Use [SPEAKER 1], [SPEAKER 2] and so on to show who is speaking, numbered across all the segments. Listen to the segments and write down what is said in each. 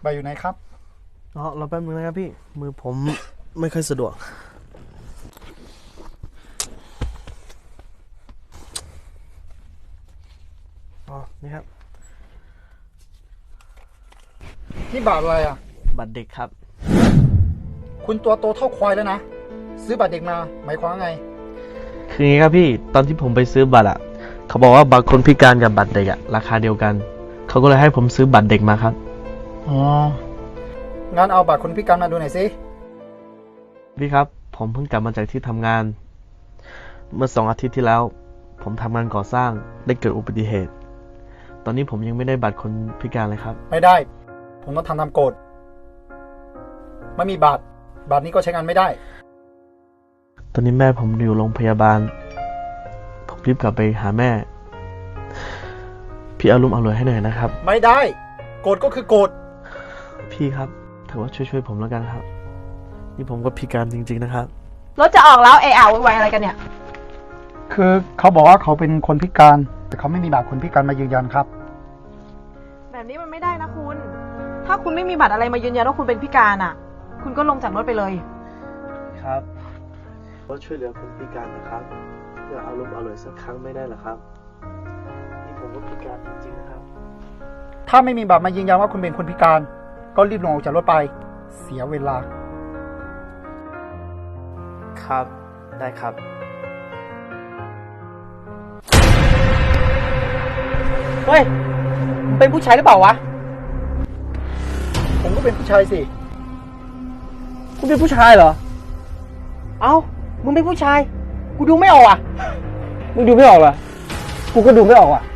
[SPEAKER 1] ใบอยู่ไหนครับ
[SPEAKER 2] รอแป๊บนึงนะครับพี่มือผมไม่ค่อยสะดวกนี่ครับ
[SPEAKER 1] นี่บัตรอะไรอ่ะ
[SPEAKER 2] บัตรเด็กครับ
[SPEAKER 1] คุณตัวโตเท่าควายแล้วนะซื้อบัตรเด็กมาหมายความว่าไง
[SPEAKER 2] คืออย่างนี้ครับพี่ตอนที่ผมไปซื้อบัตรอ่ะเขาบอกว่าบัตรคนพิการกับบัตรเด็กอ่ะราคาเดียวกันเขาก็เลยให้ผมซื้อบัตรเด็กมาครับ
[SPEAKER 1] อ๋องั้นเอาบัตรคนพิการมาดูหน่อยสิ
[SPEAKER 2] พี่ครับผมเพิ่งกลับมาจากที่ทำงานเมื่อ2 อาทิตย์ที่แล้วผมทำงานก่อสร้างได้เกิดอุบัติเหตุตอนนี้ผมยังไม่ได้บัตรคนพิการเลยครับ
[SPEAKER 1] ไม่ได้ผมต้องทำตามกฎไม่มีบัตรนี้ก็ใช้งานไม่ได้
[SPEAKER 2] ตอนนี้แม่ผมอยู่โรงพยาบาลผมรีบกลับไปหาแม่พี่เอารุ่มเอารวยให้หน่อยนะครับ
[SPEAKER 1] ไม่ได้กฎก็คือกฎ
[SPEAKER 2] พี่ครับถือว่าช่วยผมแล้วกันครับนี่ผมก็พิการจริงๆนะครับ
[SPEAKER 3] รถจะออกแล้วไวอะไรกันเนี่ย
[SPEAKER 1] คือเขาบอกว่าเขาเป็นคนพิการแต่เขาไม่มีบัตรคนพิการมายืนยันครับ
[SPEAKER 3] แบบนี้มันไม่ได้นะคุณถ้าคุณไม่มีบัตรอะไรมายืนยันว่าคุณเป็นพิการอ่ะคุณก็ลงจากรถไปเลย
[SPEAKER 2] ครับก็ช่วยเหลือคนพิการนะครับเพื่อเอารุ่มเอารวยสักครั้งไม่ได้หรอครับนี่ผมก็พิการจริงๆนะครับ
[SPEAKER 1] ถ้าไม่มีบัตรมายืนยันว่าคุณเป็นคนพิการก็รีบลงออกจากรถไปเสียเวลา
[SPEAKER 2] ครับได้ครับ
[SPEAKER 4] เฮ้ยมึงเป็นผู้ชายหรือเปล่าวะ
[SPEAKER 1] ผมก็เป็นผู้ชายสิ
[SPEAKER 4] คุณเป็นผู้ชายเหรอเอ้ามึงเป็นผู้ชายกูดูไม่ออกอ่ะมึงดูไม่ออกเหรอกูก็ดูไม่ออกอ่ะ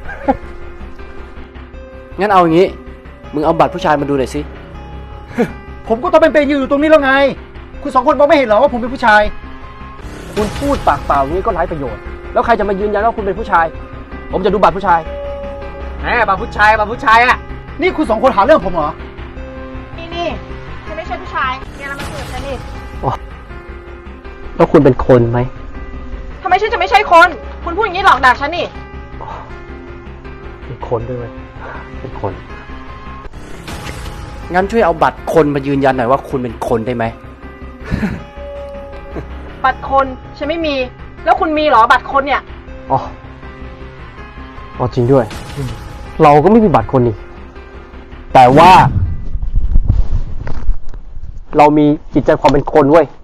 [SPEAKER 5] งั้นเอาอย่างงี้มึงเอาบัตรผู้ชายมาดูหน่อยสิ
[SPEAKER 1] ผมก็ต้องเป็นอยู่ตรงนี้แล้วไงคุณ2 คนมองไม่เห็นเหรอว่าผมเป็นผู้ชาย
[SPEAKER 5] คุณพูดปากเปล่างี้ก็ไร้ประโยชน์แล้วใครจะมายืนยันว่าคุณเป็นผู้ชายผมจะดูบัตรผู้ชาย
[SPEAKER 4] แหมบัตรผู้ชายอ่ะ
[SPEAKER 1] นี่คุณ2 คนหาเรื่องผมเหรอ
[SPEAKER 3] นี่ฉันไม่ใช่ผู้ชายเนี่ยเรามาคุยกับฉันนี่
[SPEAKER 5] แล้วคุณเป็นคนไหม
[SPEAKER 3] ทำไมฉันจะไม่ใช่คนคุณพูดอย่างนี้หลอกด่าฉันนี่
[SPEAKER 5] เป็นคนด้วยเป็นคนงั้นช่วยเอาบัตรคนมายืนยันหน่อยว่าคุณเป็นคนได้ไหม
[SPEAKER 3] บัตรคนฉันไม่มีแล้วคุณมีเหรอบัตรคนเนี่ย
[SPEAKER 5] อ๋อจริงด้วยเราก็ไม่มีบัตรคนนี่แต่ว่าเรามีจิตใจความเป็นคนเว้ย